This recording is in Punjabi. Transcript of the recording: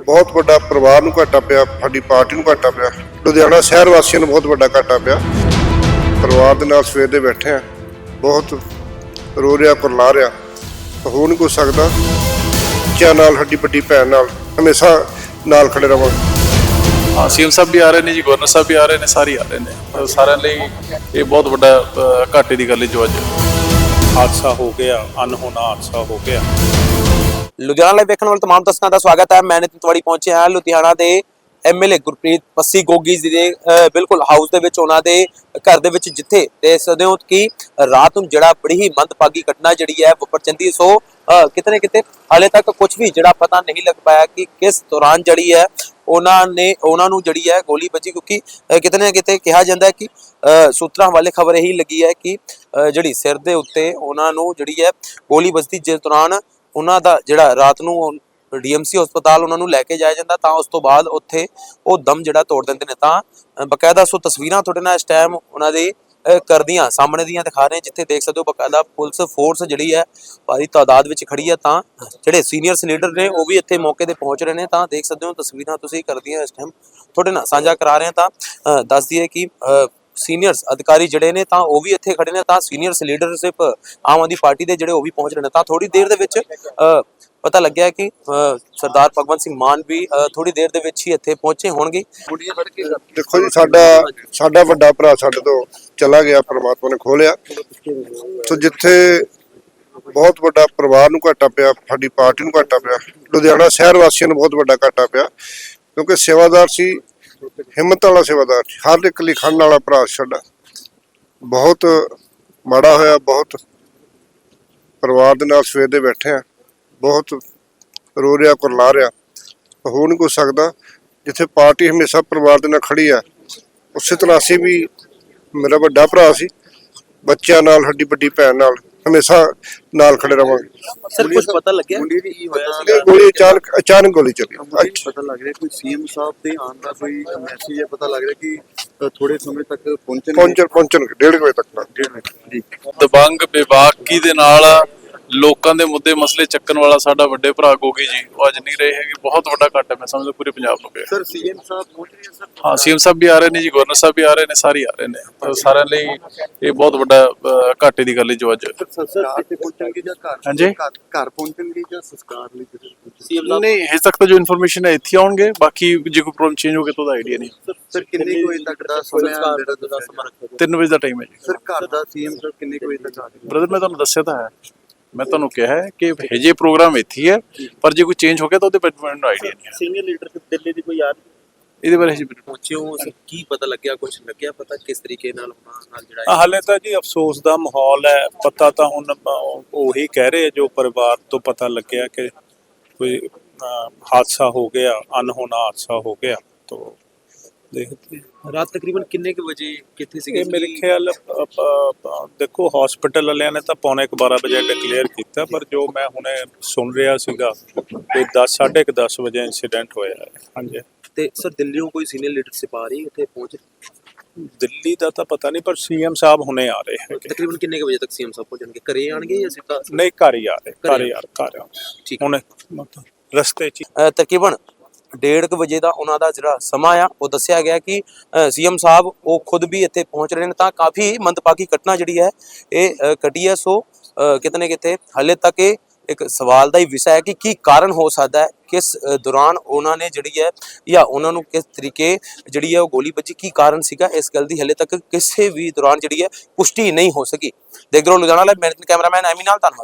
ਬਹੁਤ ਵੱਡਾ ਪਰਿਵਾਰ ਨੂੰ ਘਾਟਾ ਪਿਆ, ਸਾਡੀ ਪਾਰਟੀ ਨੂੰ ਘਾਟਾ ਪਿਆ, ਲੁਧਿਆਣਾ ਸ਼ਹਿਰ ਵਾਸੀਆਂ ਨੂੰ ਬਹੁਤ ਵੱਡਾ ਘਾਟਾ ਪਿਆ। ਪਰਿਵਾਰ ਦੇ ਨਾਲ ਸਵੇਰ ਦੇ ਬੈਠੇ ਆ, ਬਹੁਤ ਰੋ ਰਿਹਾ, ਕੁਰਲਾ ਰਿਹਾ, ਹੋ ਨਹੀਂ ਕੁਛ ਸਕਦਾ। ਬੱਚਿਆਂ ਨਾਲ, ਸਾਡੀ ਵੱਡੀ ਭੈਣ ਨਾਲ ਹਮੇਸ਼ਾ ਨਾਲ ਖੜੇ ਰਵਾਂਗੇ। हाँ, सीएम साहब भी आ रहे हैं जी, गवर्नर साहब भी आ रहे हैं, सारे आ रहे हैं। सारे ਲਈ ਇਹ ਬਹੁਤ ਵੱਡਾ ਘਾਟੇ ਦੀ ਗੱਲ ਹੈ ਜੋ ਅੱਜ ਹਾਦਸਾ ਹੋ ਗਿਆ, ਅਨਹੋਣਾ ਹਾਦਸਾ ਹੋ ਗਿਆ। ਲੁਧਿਆਣਾ ਲਾਈਵ ਦੇਖਣ ਵਾਲੇ तमाम ਦਰਸ਼ਕਾਂ ਦਾ ਸਵਾਗਤ ਹੈ। ਮੈਂ ਨਿਤਿਨ ਤਿਵਾੜੀ ਪਹੁੰਚਿਆ ਹਾਂ ਲੁਧਿਆਣਾ ਦੇ ਐਮਐਲਏ ਗੁਰਪ੍ਰੀਤ ਪੱਸੀ ਗੋਗੀ ਜੀ ਦੇ ਬਿਲਕੁਲ ਹਾਊਸ ਦੇ ਵਿੱਚ, ਉਹਨਾਂ ਦੇ ਘਰ ਦੇ ਵਿੱਚ, ਜਿੱਥੇ ਦੇਖ ਸਕਦੇ ਹੋ ਕਿ ਰਾਤ ਨੂੰ ਜਿਹੜਾ ਬੜੀ ਹੀ ਮੰਦਭਾਗੀ ਘਟਨਾ ਜਿਹੜੀ ਹੈ ਵਾਪਰ ਜਾਂਦੀ। ਸੋ ਕਿਤੇ ਨਾ ਕਿਤੇ ਹਾਲੇ ਤੱਕ ਕੁਝ ਵੀ ਜਿਹੜਾ ਪਤਾ ਨਹੀਂ ਲੱਗ ਪਾਇਆ ਕਿ ਕਿਸ ਦੌਰਾਨ ਜਿਹੜੀ ਹੈ ਉਹਨਾਂ ਨੂੰ ਜਿਹੜੀ ਹੈ ਗੋਲੀ ਵੱਜੀ, ਕਿਉਂਕਿ ਕਿਤੇ ਨਾ ਕਿਤੇ ਕਿਹਾ ਜਾਂਦਾ ਹੈ ਕਿ ਸੂਤਰਾਂ ਵਾਲੇ ਖਬਰ ਇਹੀ ਲੱਗੀ ਹੈ ਕਿ ਜਿਹੜੀ ਸਿਰ ਦੇ ਉੱਤੇ ਉਹਨਾਂ ਨੂੰ ਜਿਹੜੀ ਹੈ ਗੋਲੀ ਵੱਜਦੀ, ਜਿਸ ਦੌਰਾਨ ਉਹਨਾਂ ਦਾ ਜਿਹੜਾ ਰਾਤ ਨੂੰ ਡੀਐਮਸੀ ਹਸਪਤਾਲ ਉਹਨਾਂ ਨੂੰ ਲੈ ਕੇ ਜਾਇਆ ਜਾਂਦਾ, ਤਾਂ ਉਸ ਤੋਂ ਬਾਅਦ ਉੱਥੇ ਉਹ ਦਮ ਜਿਹੜਾ ਤੋੜ ਦਿੰਦੇ ਨੇ। ਤਾਂ ਬਕਾਇਦਾ ਸੋ ਤਸਵੀਰਾਂ ਤੁਹਾਡੇ ਨਾਲ ਇਸ ਟਾਈਮ ਉਹਨਾਂ ਦੇ ਕਰਦੀਆਂ ਸਾਹਮਣੇ ਦੀਆਂ ਦਿਖਾ ਰਹੇ, ਜਿੱਥੇ ਦੇਖ ਸਕਦੇ ਹੋ ਬਕਾਇਦਾ ਪੁਲਿਸ ਫੋਰਸ ਜਿਹੜੀ ਹੈ ਭਾਰੀ ਤਾਦਾਦ ਵਿੱਚ ਖੜੀ ਹੈ। ਤਾਂ ਜਿਹੜੇ ਸੀਨੀਅਰ ਲੀਡਰ ਨੇ ਉਹ ਵੀ ਇੱਥੇ ਮੌਕੇ ਤੇ ਪਹੁੰਚ ਰਹੇ ਨੇ। ਤਾਂ ਦੇਖ ਸਕਦੇ ਹੋ ਤਸਵੀਰਾਂ ਤੁਸੀਂ ਕਰਦੀਆਂ ਇਸ ਟਾਈਮ ਤੁਹਾਡੇ ਨਾਲ ਸਾਂਝਾ ਕਰਾ ਰਹੇ ਹਾਂ। ਤਾਂ ਦੱਸ ਦਈਏ ਕਿ ਸੀਨੀਅਰਸ ਅਧਿਕਾਰੀ ਜਿਹੜੇ ਨੇ ਤਾਂ ਉਹ ਵੀ ਇੱਥੇ ਖੜੇ ਨੇ। ਤਾਂ ਸੀਨੀਅਰਸ ਲੀਡਰਸ਼ਿਪ ਆਮ ਆਦਮੀ ਪਾਰਟੀ ਦੇ ਜਿਹੜੇ ਉਹ ਵੀ ਪਹੁੰਚ ਰਹੇ ਨੇ। ਤਾਂ ਥੋੜੀ ਦੇਰ ਦੇ ਵਿੱਚ ਪਤਾ ਲੱਗਿਆ ਕਿ ਸਰਦਾਰ ਭਗਵੰਤ ਸਿੰਘ ਮਾਨ ਵੀ ਥੋੜੀ ਦੇਰ ਦੇ ਵਿੱਚ ਹੀ ਇੱਥੇ ਪਹੁੰਚੇ ਹੋਣਗੇ। ਦੇਖੋ ਜੀ, ਸਾਡਾ ਵੱਡਾ ਭਰਾ ਸਾਡੇ ਤੋਂ ਚਲਾ ਗਿਆ, ਪ੍ਰਮਾਤਮਾ ਨੇ ਖੋਲਿਆ। ਸੋ ਜਿੱਥੇ ਬਹੁਤ ਵੱਡਾ ਪਰਿਵਾਰ ਨੂੰ ਘਾਟਾ ਪਿਆ, ਸਾਡੀ ਪਾਰਟੀ ਨੂੰ ਘਾਟਾ ਪਿਆ, ਲੁਧਿਆਣਾ ਸ਼ਹਿਰ ਵਾਸੀਆਂ ਨੂੰ ਬਹੁਤ ਵੱਡਾ ਘਾਟਾ ਪਿਆ, ਕਿਉਂਕਿ ਸੇਵਾਦਾਰ ਸੀ, ਹਿੰਮਤ ਵਾਲਾ ਸੇਵਾਦਾਰ, ਹਰ ਇੱਕ ਲਈ ਖੜਨ ਵਾਲਾ ਭਰਾ ਸਾਡਾ। ਬਹੁਤ ਮਾੜਾ ਹੋਇਆ, ਬਹੁਤ ਪਰਿਵਾਰ ਦੇ ਨਾਲ ਸਵੇਰ ਦੇ ਬੈਠੇ ਆ, ਬਹੁਤ ਰੋ ਰਿਹਾ, ਕੁਰਲਾ ਰਿਹਾ, ਹੋ ਨਹੀਂ ਕੁਛ ਸਕਦਾ। ਜਿੱਥੇ ਪਾਰਟੀ ਹਮੇਸ਼ਾ ਪਰਿਵਾਰ ਦੇ ਨਾਲ ਖੜੀ ਆ, ਉਸੇ ਤਰ੍ਹਾਂ ਅਸੀਂ ਵੀ, ਮੇਰਾ ਵੱਡਾ ਭਰਾ ਸੀ, ਬੱਚਿਆਂ ਨਾਲ, ਸਾਡੀ ਵੱਡੀ ਭੈਣ ਨਾਲ ਹਮੇਸ਼ਾ ਨਾਲ ਖੜੇ ਰਵਾਂਗੇ। ਸਰ ਕੁਝ ਪਤਾ ਲੱਗਿਆ ਗੋਲੀ ਅਚਾਨਕ ਗੋਲੀ ਚੱਲੀ। ਪਤਾ ਲੱਗ ਰਿਹਾ ਕੋਈ ਸੀਐਮ ਸਾਹਿਬ ਦੇ ਆਉਣ ਦਾ ਕੋਈ ਮੈਸੇਜ ਹੈ? ਪਤਾ ਲੱਗ ਰਿਹਾ ਕਿ ਥੋੜੇ ਸਮੇਂ ਤੱਕ ਪਹੁੰਚਣਗੇ 1:30 ਵਜੇ ਤੱਕ। ਜੀ ਦਬੰਗ ਬੇਬਾਕੀ ਦੇ ਨਾਲ ਲੋਕਾਂ ਦੇ ਮੁੱਦੇ ਮਸਲੇ ਚੱਕਣ ਵਾਲਾ ਸਾਡਾ ਵੱਡੇ ਭਰਾ ਗੋਗੀ ਜੀ ਉਹ ਅੱਜ ਨਹੀਂ ਰਹੇ ਹੈਗੇ। ਬਹੁਤ ਵੱਡਾ ਘਾਟਾ ਮੈਂ ਸਮਝਦਾ ਪੂਰੇ ਪੰਜਾਬ ਨੂੰ ਪਿਆ। ਸਰ ਸੀਐਮ ਸਾਹਿਬ ਪਹੁੰਚ ਰਹੇ ਸਰ? ਹਾਂ, ਸੀਐਮ ਸਾਹਿਬ ਵੀ ਆ ਰਹੇ ਨੇ ਜੀ, ਗਵਰਨਰ ਸਾਹਿਬ ਵੀ ਆ ਰਹੇ ਨੇ, ਸਾਰੇ ਆ ਰਹੇ ਨੇ। ਸਾਰਿਆਂ ਲਈ ਇਹ ਬਹੁਤ ਵੱਡਾ ਘਾਟੇ ਦੀ ਗੱਲ ਹੈ ਜੋ ਅੱਜ ਸਰ ਕਿੱਥੇ ਪਹੁੰਚਣਗੇ ਜਾਂ ਹਾਂਜੀ ਘਰ ਪਹੁੰਚਣਗੇ ਜਾਂ ਸੰਸਕਾਰ ਲਈ ਨਹੀਂ, ਹਜੇ ਤੱਕ ਤਾਂ ਜੋ ਇਨਫੋਰਮੇਸ਼ਨ ਹੈ ਇੱਥੇ ਆਉਣਗੇ। ਬਾਕੀ ਜੇ ਕੋਈ ਪ੍ਰੋਬਲਮ ਚੇਂਜ ਹੋ ਗਿਆ ਤਾਂ ਉਹਦਾ ਆਈਡੀਆ ਨਹੀਂ। ਸਰ ਕਿੰਨੇ ਵਜੇ ਤੱਕ ਦਾ ਸਮਾਂ 3 ਵਜੇ ਦਾ ਟਾਈਮ ਹੈ ਜੀ। ਸਰ ਘਰ ਦਾ ਸੀਐਮ ਸਾਹਿਬ ਕਿੰਨੇ ਵਜੇ ਤੱਕ ਆ ਜਾਣਗੇ? ਬ੍ਰਦਰ ਮੈਂ ਤੁਹਾਨੂੰ ਦੱਸਿਆ ਤਾਂ ਹੈ, ਮੈਂ ਤੁਹਾਨੂੰ ਕਿਹਾ ਹੈ ਕਿ ਹਜੇ ਪ੍ਰੋਗਰਾਮ ਇੱਥੇ ਹੈ, ਪਰ ਜੇ ਕੋਈ ਚੇਂਜ ਹੋ ਗਿਆ ਤਾਂ ਉਹਦੇ ਬਾਰੇ ਮੈਨੂੰ ਆਈਡੀਆ ਨਹੀਂ ਹੈ। ਸੀਨੀਅਰ ਲੀਡਰਸ਼ਿਪ ਦਿੱਲੀ ਦੀ ਕੋਈ ਯਾਰ ਇਹਦੇ ਬਾਰੇ ਹਜੇ ਪਹੁੰਚੇ ਹੋ, ਕੀ ਪਤਾ ਲੱਗਿਆ, ਕੁਝ ਲੱਗਿਆ ਪਤਾ ਕਿਸ ਤਰੀਕੇ ਨਾਲ ਉਹਨਾਂ ਨਾਲ ਜਿਹੜਾ ਹਾਲੇ ਤਾਂ ਜੀ ਅਫਸੋਸ ਦਾ ਮਾਹੌਲ ਹੈ। ਪਤਾ ਤਾਂ ਹੁਣ ਉਹੀ ਕਹਿ ਰਹੇ ਜੋ ਪਰਿਵਾਰ ਤੋਂ ਪਤਾ ਲੱਗਿਆ ਕਿ ਕੋਈ ਹਾਦਸਾ ਹੋ ਗਿਆ, ਅਨਹੋਣਾ ਹਾਦਸਾ ਹੋ ਗਿਆ। तो देखते ਰਾਤ ਤਕਰੀਬਨ ਕਿੰਨੇ ਕੁ ਵਜੇ ਕਿੱਥੇ ਸੀਗੇ? ਮੇਰੇ ਖਿਆਲ ਦੇਖੋ ਹਸਪੀਟਲ ਵਾਲਿਆਂ ਨੇ ਤਾਂ 11:45 ਵਜੇ ਡਿਕਲੇਅਰ ਕੀਤਾ, ਪਰ ਜੋ ਮੈਂ ਹੁਣੇ ਸੁਣ ਰਿਹਾ ਸੀਗਾ ਕਿ 10:30 ਵਜੇ ਇਨਸੀਡੈਂਟ ਹੋਇਆ ਹੈ। ਹਾਂਜੀ। ਤੇ ਸਰ ਦਿੱਲੀੋਂ ਕੋਈ ਸੀਨੀਅਰ ਲੀਡਰਸ਼ਿਪ ਆ ਰਹੀ ਉੱਥੇ ਪਹੁੰਚ? ਦਿੱਲੀ ਦਾ ਤਾਂ ਪਤਾ ਨਹੀਂ, ਪਰ ਸੀਐਮ ਸਾਹਿਬ ਹੁਣੇ ਆ ਰਹੇ ਹੈਗੇ। ਤਕਰੀਬਨ ਕਿੰਨੇ ਕੁ ਵਜੇ ਤੱਕ ਸੀਐਮ ਸਾਹਿਬ ਪਹੁੰਚਣਗੇ? ਘਰੇ ਆਣਗੇ ਜਾਂ ਸਿੱਧਾ? ਨਹੀਂ, ਘਰ ਹੀ ਆ ਰਹੇ, ਘਰ ਠੀਕ ਹੁਣ ਰਸਤੇ 'ਚ ਤਕਰੀਬਨ 1:30 ਵਜੇ ਦਾ ਉਹਨਾਂ ਦਾ ਜਿਹੜਾ ਸਮਾਂ ਆ ਉਹ ਦੱਸਿਆ ਗਿਆ ਕਿ ਸੀਐਮ ਸਾਹਿਬ ਉਹ ਖੁਦ ਵੀ ਇੱਥੇ ਪਹੁੰਚ ਰਹੇ ਨੇ। ਤਾਂ ਕਾਫੀ ਮੰਦਭਾਗੀ ਘਟਨਾ ਜਿਹੜੀ ਹੈ ਇਹ ਘਟੀ ਹੈ। ਸੋ ਕਿਤੇ ਨਾ ਕਿਤੇ ਹਾਲੇ ਤੱਕ ਇਹ ਇੱਕ ਸਵਾਲ ਦਾ ਹੀ ਵਿਸ਼ਾ ਹੈ ਕਿ ਕੀ ਕਾਰਨ ਹੋ ਸਕਦਾ ਹੈ, ਕਿਸ ਦੌਰਾਨ ਉਹਨਾਂ ਨੇ ਜਿਹੜੀ ਹੈ ਜਾਂ ਉਹਨਾਂ ਨੂੰ ਕਿਸ ਤਰੀਕੇ ਜਿਹੜੀ ਹੈ ਉਹ ਗੋਲੀ ਵੱਜੀ, ਕੀ ਕਾਰਨ ਸੀਗਾ, ਇਸ ਗੱਲ ਦੀ ਹਾਲੇ ਤੱਕ ਕਿਸੇ ਵੀ ਦੌਰਾਨ ਜਿਹੜੀ ਹੈ ਪੁਸ਼ਟੀ ਨਹੀਂ ਹੋ ਸਕੀ। ਦੇਖਦੇ ਰਹੋ ਲੁਧਿਆਣਾ ਲਾਈਵ, ਮੈਂ ਕੈਮਰਾਮੈਨ ਐਮੀ ਨਾਲ, ਧੰਨਵਾਦ।